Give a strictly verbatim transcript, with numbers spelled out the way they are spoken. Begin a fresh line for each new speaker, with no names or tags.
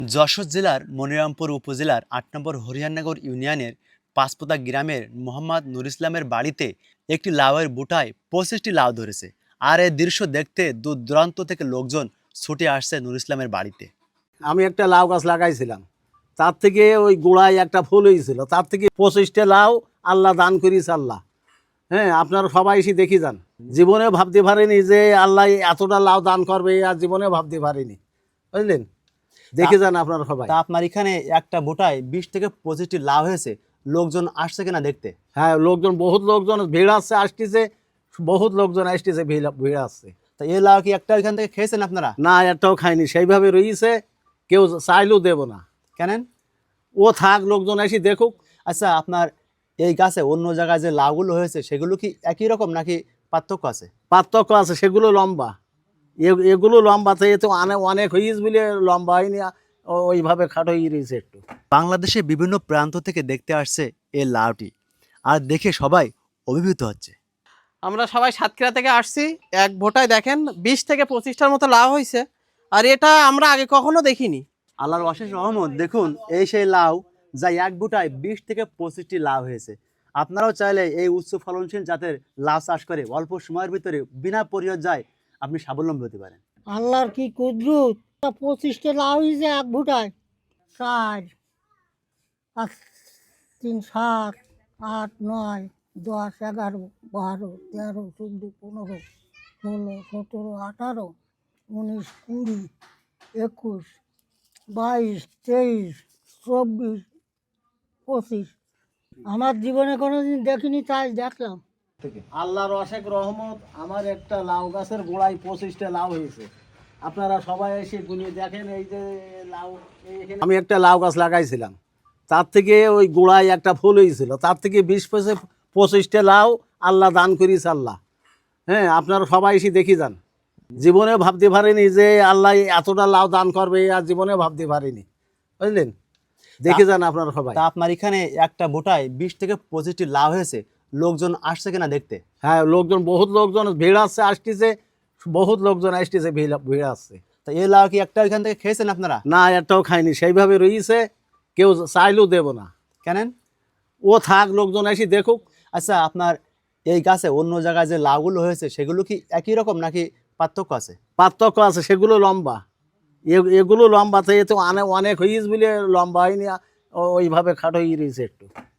যশোর জেলার মনিরামপুর উপজেলার আট নম্বর হরিয়ানগর ইউনিয়নের পাঁচপোতা গ্রামের মোহাম্মদ নুর ইসলামের বাড়িতে একটি লাউয়ের বুটায় পঁচিশটি লাউ ধরেছে। আর এই দৃশ্য দেখতে দূর দূরান্ত থেকে লোকজন ছুটে আসছে নুর ইসলামের বাড়িতে।
আমি একটা লাউ গাছ লাগাইছিলাম, তার থেকে ওই গোড়ায় একটা ফুল হয়েছিল, তার থেকে পঁচিশটা লাউ আল্লাহ দান করিস আল্লাহ। হ্যাঁ, আপনারা সবাই এসে দেখি যান। জীবনে ভাবতে পারিনি যে আল্লাহ এতটা লাউ দান করবে, আর জীবনে ভাবতে পারিনি, বুঝলেন। দেখে যান আপনারা সবাই।
তা আপনার এখানে একটা বুটায় বিশ থেকে পঁচিশটি লাউ হয়েছে, লোকজন আসছে কিনা দেখতে?
হ্যাঁ, লোকজন বহুত লোকজন ভিড় আসছে, আসতেছে, বহুত লোকজন আসতেছে, ভিড় ভিড় আসছে।
তা এই লাউ কি একটা এখান থেকে খেয়েছেন আপনারা?
না, একটাও খাইনি, সেইভাবে রয়েছে, কেউ চাইলেও দেব না।
কেন?
ও থাক, লোকজন এসে দেখুক।
আচ্ছা, আপনার এই গাছে অন্য জায়গায় যে লাউগুলো হয়েছে সেগুলো কি একই রকম নাকি পার্থক্য আছে?
পার্থক্য আছে, সেগুলো লম্বা, এ- এগুলো লম্বা, তো এ তো অনেক অনেক হয়েছে বলে লম্বা হয়নি, ও- ওইভাবে খাটো হয়ে রয়েছে একটু।
বাংলাদেশের বিভিন্ন প্রান্ত থেকে দেখতে আসছে এই লাউটি, আর দেখে সবাই অভিভূত হচ্ছে।
আমরা সবাই সাতক্ষীরা থেকে আসছি। এক ভোটায় দেখেন বিশ থেকে পঁচিশটার মতো লাউ হয়েছে, আর এটা আমরা আগে কখনো দেখিনি।
আল্লাহর অশেষ রহমত, দেখুন এই সেই লাউ যা এক বুটায় বিশ থেকে পঁচিশটি লাউ হয়েছে। আপনারাও চাইলে এই উচ্চ ফলনশীল জাতের লাউ চাষ করে অল্প সময়ের ভিতরে বিনা পরিচর্যায় আপনি স্বাবলম্বী হতে পারেন।
আল্লাহর কি কুদরত! পঁচিশটা লাউ হয়েছে এক ভুটায়। চার পাঁচ তিন সাত আট নয় দশ এগারো বারো তেরো চোদ্দো পনেরো ষোলো সতেরো আঠারো উনিশ কুড়ি একুশ বাইশ তেইশ চব্বিশ পঁচিশ। আমার জীবনে কোনোদিন দেখিনি, তাই দেখলাম।
আল্লাহর অশেষ রহমত, আমার একটা লাউ গাছের গোড়ায় পঁচিশটা লাউ হয়েছে। আপনারা সবাই এসে গুনিয়ে দেখেন, এই যে লাউ, এই- আমি একটা লাউ গাছ লাগাইছিলাম, তার থেকে ওই গোড়ায় একটা ফুল হয়েছিল, তার থেকে বিশ পঁচিশ পঁচিশটা লাউ আল্লাহ দান করিস আল্লাহ। হ্যাঁ, আপনারা সবাই এসে দেখি যান। জীবনে ভাবতে পারিনি যে আল্লাহ এতটা লাউ দান করবে, আর জীবনে ভাবতে পারিনি, বুঝলেন। দেখে যান আপনারা সবাই।
তা আপনার এখানে একটা বুটায় বিশ থেকে পঁচিশটি লাউ হয়েছে, লোকজন আসছে কিনা দেখতে?
হ্যাঁ, লোকজন বহুত লোকজন ভিড় আসছে, আসতেছে, বহুত লোকজন আসতেছে, ভিড় ভিড় আসছে।
তা এই লাউ কি একটা এখান থেকে খেয়েছেন আপনারা?
না, একটাও খাইনি, সেইভাবে রয়েছে, কেউ চাইলেও দেব না।
কেন?
ও থাক, লোকজন এসে দেখুক।
আচ্ছা, আপনার এই গাছে অন্য জায়গায় যে লাউগুলো হয়েছে সেগুলো কি একই রকম নাকি পার্থক্য আছে?
পার্থক্য আছে, সেগুলো লম্বা, এ- এগুলো লম্বা, তো এ তো অনেক অনেক হয়েছে বলে লম্বা হয়নি, ও- ওইভাবে খাটো হয়ে রয়েছে একটু।